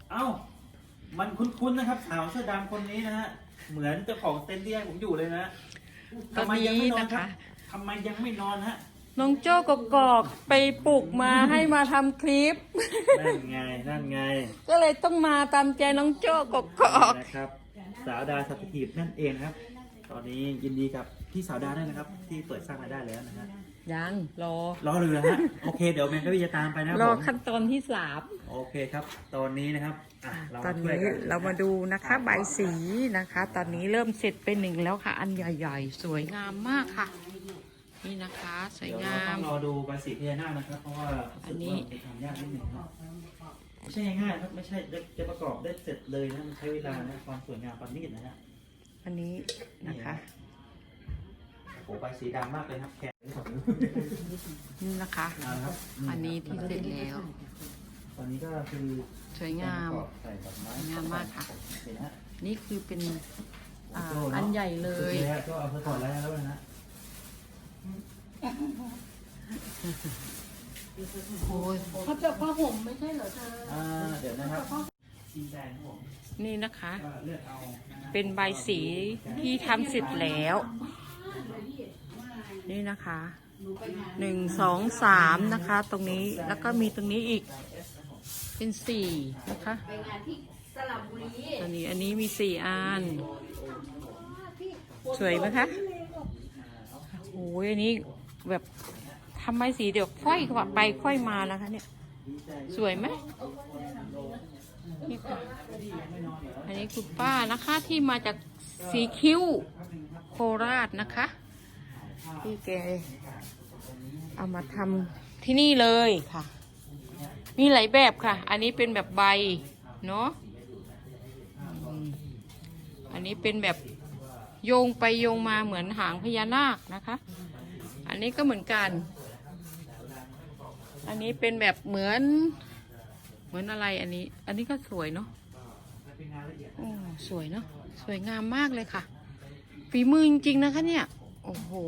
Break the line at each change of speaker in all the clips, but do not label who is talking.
เอ้ามันคุ้นๆนะครับสาวเสื้อดำคนนี้นะฮะเหมือนเจ้าของเต็นท์ที่ให้ผมอยู่เลยนะ
ตอน
ทำไมยัง
นี้
ไม่นอน
นะ
ครั
คะ
บทำไมยังไม่นอนฮะ
น้องโจ้กกอกไปปลุกมาให้มาทำคลิป
นั่นไงนั่นไง
ก็เลยต้องมาตามใจน้องโจ้กกอก
นะครับสาวดาสัตถีบนั่นเองครับ ตอนนี้ยินดีกับพี่สาวดาด้วยนะครับ ที่เปิดสร้างรายได้แล้วนะฮะ
ยังรอ
รอเรือฮะโอเคเดี๋ยวแมนก็จะตามไปนะ
รอ
ผม
ขั้นตอนที่
โอเคครับ ตอนนี้นะครับเรา
3 ตอน
มาช่วย
นี้
กัน
เรามาดูนะคะใบสีนะคะ ตอนนี้เริ่มเสร็จไปหนึ่งแล้วค่ะ อันใหญ่ๆ สวยงามมากค่ะ นี่นะคะสวย
เดี๋ยว
งา
เราต้
ม
องรอดูใบสีพญานาคนะครับ เพราะว่า
อันนี้
รู้สึกว่ามันทำยากนิดนึงนะไม่ใช่ง่ายๆครับไม่ใช่จะประกอบได้เสร็จเลยนะมันใช้เวลานะความสวยงามความนิดนะฮะ
อันนี้นะคะ
โอ้ใบสีดำมากเลยครับแขน
นี่นะคะ
ครับ
อันนี้ที่เสร็จแล้ว
ตอนนี้ก็คือ
สวยงาม
ใส่ดอกไม้
สวยงามมากค่ะ
เห็นนะฮะ
นี่คือเป็น
โจ้เะ
อันใหญ่เลย
โอคฮะก็เอาไปก่อนแล้วนะฮะ
โอ้ย
เขาจะผ้าห่มไม่ใช่เหรอเธอ
เดี๋ยวนะครับสีแดงครับผม
นี่นะคะ
ก็เลือกเอานะฮะ
เป็นใบสีที่ทำเสร็จแล้ว นี่นะคะ1 2 3นะคะ ตรงนี้แล้วก็มีตรงนี้อีกเป็น4นะคะ
ไปงานที่สระบุรี
อันนี้มี4 อันสวยไหมคะโอ้ยอันนี้แบบทำไมสีเดี๋ยวค่อยไปค่อยมานะคะเนี่ยสวยไหมนี่ค่ะอันนี้คุณป้านะคะที่มาจากสีคิ้วโคราชนะคะที่แกเอามาทำที่นี่เลยค่ะมีหลายแบบค่ะ อันนี้เป็นแบบใบเนาะอันนี้เป็นแบบโยงไปโยงมาเหมือนหางพญานาคนะคะอันนี้ก็เหมือนกันอันนี้เป็นแบบเหมือนอะไรอันนี้ก็สวยเนาะโอ้สวยเนาะสวยงามมากเลยค่ะฝีมือจริงๆนะคะเนี่ยโอ้โห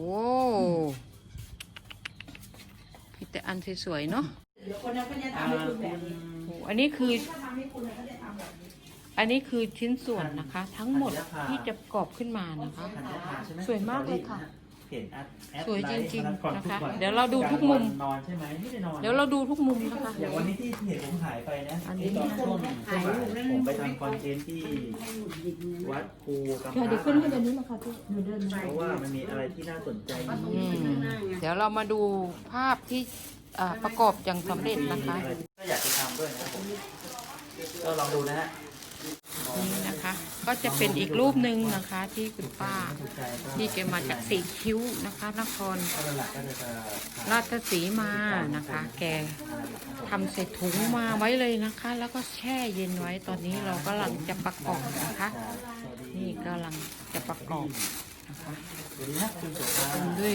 พี่แต่อันสวยๆเนาะ
เดี๋ยวคนนั้นก็จะทำให้คุณแบบนี้
โอ้อันนี้คือ
ถ้าทำให้คุณเขาจะทำแบบนี้
อันนี้คือชิ้นส่วนนะคะ ทั้งหมดที่จะประกอบขึ้นมานะคะ สวยมากเลยค่ะ
เห็นแอด
สวยจริงๆ
ไลฟ์ก่อ
นะคะ
ทุกวั
เดี๋ยวเราดูทุกมุม
นอนใช่ไหมไม่ได้นอน
เดี๋ยวเราดูทุกมุมนะคะ
อย่างวันนี้ที่เห็นผมหายไปนะ
อันนี้
ตอนช่วงผมไปทำคอนเทนต์ที่วัดภูกำ
เดี๋ยวขึ้นให้เดี๋ยวนี้มาค่ะพี่หนูเดินไป
เพราะว่ามันมีอะไรที่น่าสนใจ
อืมเดี๋ยวเรามาดูภาพที่ประกอบอย่างสำเร็จนะคะ
ก็อยากจะทำด้วยนะครับผมก็ลองดูนะฮะ
นี่นะคะ ก็จะเป็นอีกรูปหนึ่งนะคะ ที่คุณป้าที่แกมาจากสีคิ้วนะคะนคร
ก็หลักก็จะ
ราชสีมานะคะ แกทำใส่ถุงมาไว้เลยนะคะ แล้วก็แช่เย็นไว้ตอนนี้เรากำลังจะประกอบนะคะ นี่กำลังจะประกอบนะคะ
สวัสดีนะคุณสุภาพ
ด้วย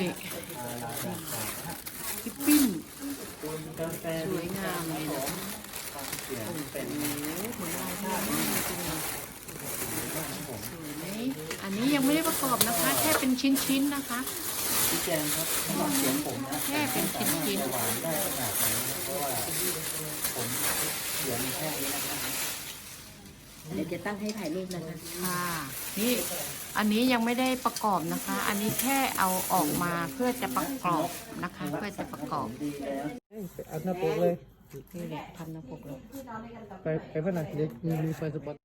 คิปปิ้น
คุณกาแฟ
สวยงามเลยนะ
เปลี่ยนเป็น
โอ้โหเหมือนลายพญานาคจริงๆสวยไหมอันนี้ยังไม่ได้ประกอบนะคะ แค่เป็นชิ้นๆนะคะ
ชี้แจงครับสำหรับเสียงผมนะ
แค่เป็นชิ้น
หวานได้ขนาดไหนนะเพราะว่าผมเสียงแค่นี้นะครับ
เดี๋ยวจะตั้งให้ถ่ายรูปนะคะ
ค่ะนี่อันนี้ยังไม่ได้ประกอบนะคะ อันนี้แค่เอาออกมาเพื่อจะประกอบนะคะ เพื่อจะประกอบ
ดีแล้ว
เอาหน้าปกเลย
นี่แหละพันหน้าปกเลย
ไปเพื่อนหน่อยเดี๋ยวมีไฟสปอต